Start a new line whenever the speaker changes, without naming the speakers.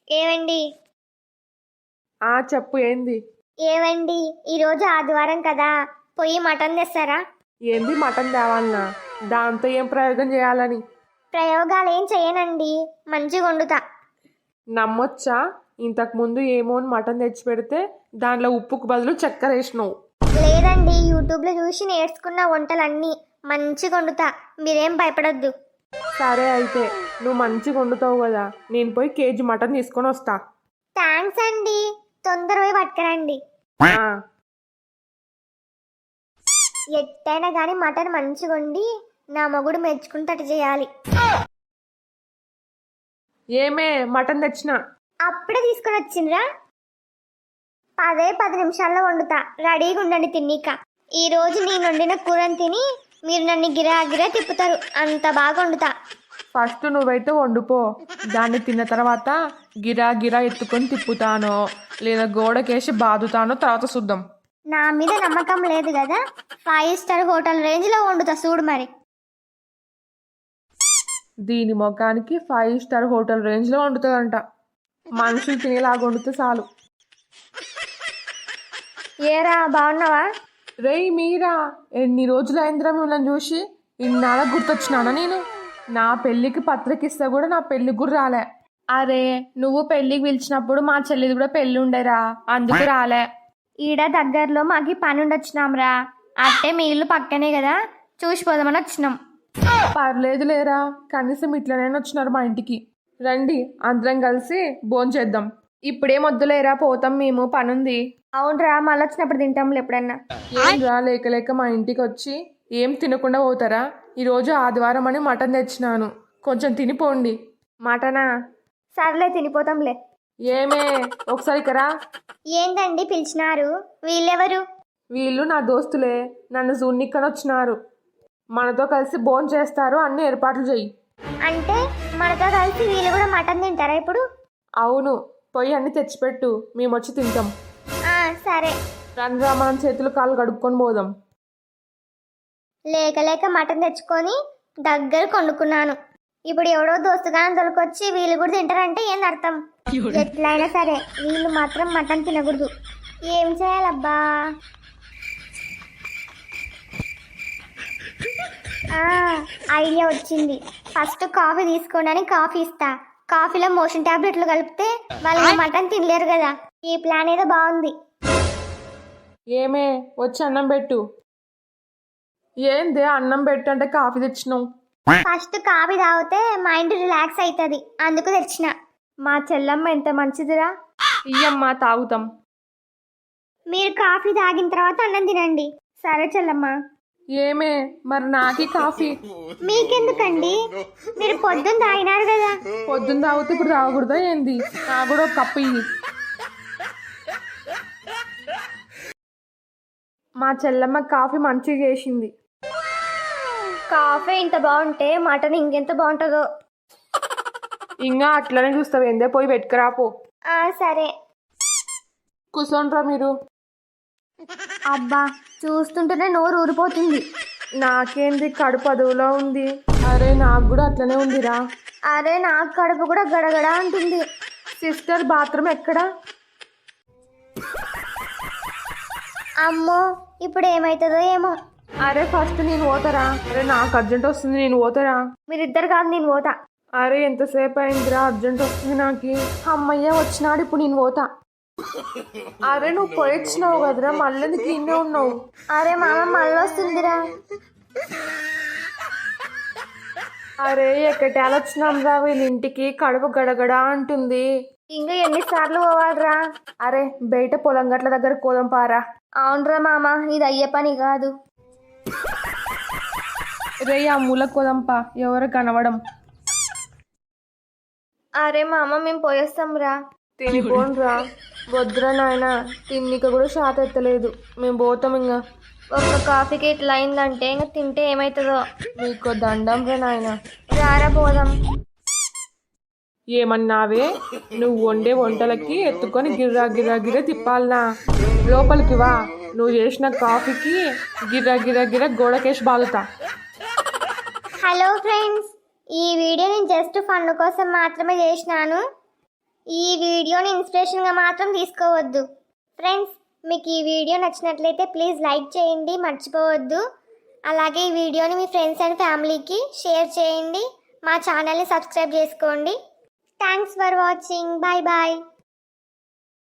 ఏవండి
చెప్పు ఏంది?
ఏవండి ఈరోజు ఆదివారం కదా, పోయి మటన్ తెస్తారా?
ఏంది మటన్ తేవాలనా? దాంతో ఏం ప్రయోగం చేయాలని?
ప్రయోగాలు ఏం చేయనండి, మంచిగా వండుతా.
నమ్మొచ్చా? ఇంతకుముందు ఏమో అని మటన్ తెచ్చి పెడితే దాంట్లో ఉప్పుకు బదులు చక్కెర వేసినావు.
లేదండి, యూట్యూబ్లో చూసి నేర్చుకున్న వంటలన్నీ మంచిగా వండుతా, మీరేం భయపడద్దు.
సరే అయితే నువ్వు మంచిగా వండుతావు కదా, నేను పోయి కేజీ మటన్ తీసుకొని వస్తా.
థ్యాంక్స్ అండి, తొందర పోయి పట్టుకురండి.
ఆ,
ఎట్టైనా కానీ మటన్ మంచిగా వండి నా మొగుడు మెచ్చుకుంటట్టు చేయాలి.
ఏమే మటన్ తెచ్చినా.
అప్పుడే తీసుకొని వచ్చిండ్రా? 10 నిమిషాల్లో వండుతా, రెడీగా ఉండండి తిన్నీక. ఈ రోజు నేను వండిన కూరని తిని మీరు నన్ను గిరా గిరా తిప్పుతారు, అంత బాగా వండుతా.
ఫస్ట్ నువ్వైతే వండుపో, దాన్ని తిన్న తర్వాత గిరా గిరా ఎత్తుకొని తిప్పుతానో లేదా గోడకేసి బాదుతానో తర్వాత చూద్దాం.
నా మీద నమ్మకం లేదు కదా, 5 స్టార్ హోటల్ రేంజ్లో వండుతా చూడు మరి.
దీని ముఖానికి 5 స్టార్ హోటల్ రేంజ్లో వండుతుందంట. మనుషులు తినేలాగా వండితే చాలు.
ఏరా బాగున్నావా?
రేయ్ మీరా, ఎన్ని రోజులు అయిందిరా మిమ్మల్ని చూసి? ఇన్నాళ్ళ గుర్తొచ్చినానా నేను? నా పెళ్ళికి పత్రిక ఇస్తే కూడా నా పెళ్ళికి కూడా రాలే. అరే నువ్వు పెళ్ళికి పిలిచినప్పుడు మా చెల్లిది కూడా పెళ్ళి ఉండేరా, అందుకు రాలే.
ఈడ దగ్గరలో మాకు పని ఉండొచ్చినాంరా, అట్టే మీ ఇల్లు పక్కనే కదా, చూసిపోదామని వచ్చినాం.
పర్లేదు లేరా, కనీసం ఇట్లనైనా వచ్చినారు మా ఇంటికి. రండి అందరం కలిసి భోంచేద్దాం. ఇప్పుడేం వద్దులేరా, పోతాం మేము, పనుంది.
అవునరా, మళ్ళీ వచ్చినప్పుడు తింటాంలే ఎప్పుడన్నా.
ఏం రా లేక లేక మా ఇంటికి వచ్చి ఏం తినకుండా పోతారా? ఈరోజు ఆదివారం అని మటన్ తెచ్చినాను, కొంచెం తినిపోండి.
మటనా? సర్లే తినిపోతాంలే.
ఏమే ఒకసారి ఇకరా.
ఏందండి పిలిచినారు? వీళ్ళెవరు?
వీళ్ళు నా దోస్తులే, నన్ను జూన్నిక్కని వచ్చినారు. మనతో కలిసి భోజనం చేస్తారు, అన్ని ఏర్పాట్లు చెయ్యి.
అంటే మనతో కలిసి వీళ్ళు కూడా మటన్ తింటారా ఇప్పుడు?
అవును, పోయి అన్ని తెచ్చిపెట్టు, మేము వచ్చి తింటాం.
సరే.
రండ్రా మనం చేతులు కాళ్ళు కడుక్కొని పోదాం.
లేక లేక మటన్ తెచ్చుకొని దగ్గర కొనుక్కున్నాను, ఇప్పుడు ఎవడో దోస్తుగానే దొరికొచ్చి వీళ్ళు కూడా తింటారంటే ఏంది అర్థం? ఎట్లయినా సరే వీళ్ళు మాత్రం మటన్ తినకూడదు. ఏం చేయాలబ్బా? ఐడియా వచ్చింది. ఫస్ట్ కాఫీ తీసుకోండి, కాఫీ ఇస్తా. కాఫీలో మోషన్ టాబ్లెట్లు కలిపితే వాళ్ళు మటన్ తినలేరు కదా. ఈ ప్లాన్ ఏదో బాగుంది.
ఏమే వచ్చి అన్నం పెట్టు. ఏందే అన్నం పెట్టు అంటే కాఫీ తెచ్చినావు?
ఫస్ట్ కాఫీ తాగితే మైండ్ రిలాక్స్ అవుతుంది, అందుకు తెచ్చిన.
మా చెల్లమ్మ ఎంత మంచిదిరా. ఇయ్యమ్మా తాగుతాం.
మీరు కాఫీ తాగిన తర్వాత అన్నం తినండి.
సరే చెల్లమ్మ. ఏమే మరి నాకి కాఫీ?
మీకెందుకండి, మీరు పొద్దున్న తాగినారు కదా.
పొద్దున్న తాగితే ఇప్పుడు తాగకూడదా ఏంది? నాకు కూడా ఒక కప్పు ఇయ్యి. మా చెల్లమ్మ కాఫీ మంచిగా చేసింది.
కాఫీ ఇంత బాగుంటే మటన్ ఇంకెంత బాగుంటుందో.
ఇంకా అట్లనే చూస్తావు ఏందే, పోయి పెట్టుకురాపో.
సరే.
కూర్చోండ్రా మీరు.
అబ్బా, చూస్తుంటేనే నోరు ఊరిపోతుంది.
నాకేంది, కడుపు అదువులో ఉంది. అరే నాకు కూడా అట్లనే ఉందిరా.
అరే నాకు కడుపు కూడా గడగడ అంటుంది.
సిస్టర్ బాత్రూమ్ ఎక్కడా?
అమ్మో, ఇప్పుడు ఏమవుతుందో ఏమో.
అరే ఫస్ట్ నేను పోతారా? అరే నాకు అర్జెంట్ వస్తుంది, నేను పోతారా?
మీరిద్దరు కాదు, నేను పోతా.
అరే ఎంతసేపు అయిందిరా, అర్జెంట్ వస్తుంది నాకు. అమ్మయ్య వచ్చినాడు, ఇప్పుడు నేను పోతా. అరే నువ్వు పోయొచ్చినావు కదరా, మళ్ళీ ఎందుకు ఇన్నే ఉన్నావు?
అరే మామ మళ్ళీ వస్తుందిరా.
అరే ఎక్కటాలు వచ్చినాం రా వీళ్ళ ఇంటికి, కడుపు గడగడ అంటుంది.
ఇంకా ఎన్నిసార్లు పోవాలరా?
అరే బయట పొలం గట్ల దగ్గర కోదం పారా.
అవునరా మామ, ఇది అయ్యే పని కాదు.
రే ఆ మూల కోదంపా, ఎవరు కనవడం.
అరే మామ మేము పోయేస్తాం రా.
తినిపోన్రా. వద్దురా నాయన, తిన్నిక కూడా షాత ఎత్తలేదు, మేము పోతాం. ఇంకా
ఒక్క కాఫీకి ఇట్లా అయిందంటే ఇంకా తింటే ఏమవుతుందో.
మీకు దండం రా నాయన.
రారా పోదాం.
ఏమన్నావే? నువ్వు వండే వంటలకి ఎత్తుకొని గిర్రా గిర్రా గిర్ర తిప్పాలనా? లోపలికి వా, నువ్వు చేసిన కాఫీకి గిర్రా గిర్రా గిర్ర గోడకేసి బాగుతా.
హలో ఫ్రెండ్స్, ఈ వీడియో నేను జస్ట్ ఫన్ కోసం మాత్రమే చేసినాను. ఈ వీడియోని ఇన్స్పిరేషన్గా మాత్రం తీసుకోవద్దు. ఫ్రెండ్స్, మీకు ఈ వీడియో నచ్చినట్లయితే ప్లీజ్ లైక్ చేయండి, మర్చిపోవద్దు. అలాగే ఈ వీడియోని మీ ఫ్రెండ్స్ అండ్ ఫ్యామిలీకి షేర్ చేయండి. మా ఛానల్ని సబ్స్క్రైబ్ చేసుకోండి. Thanks for watching. Bye bye.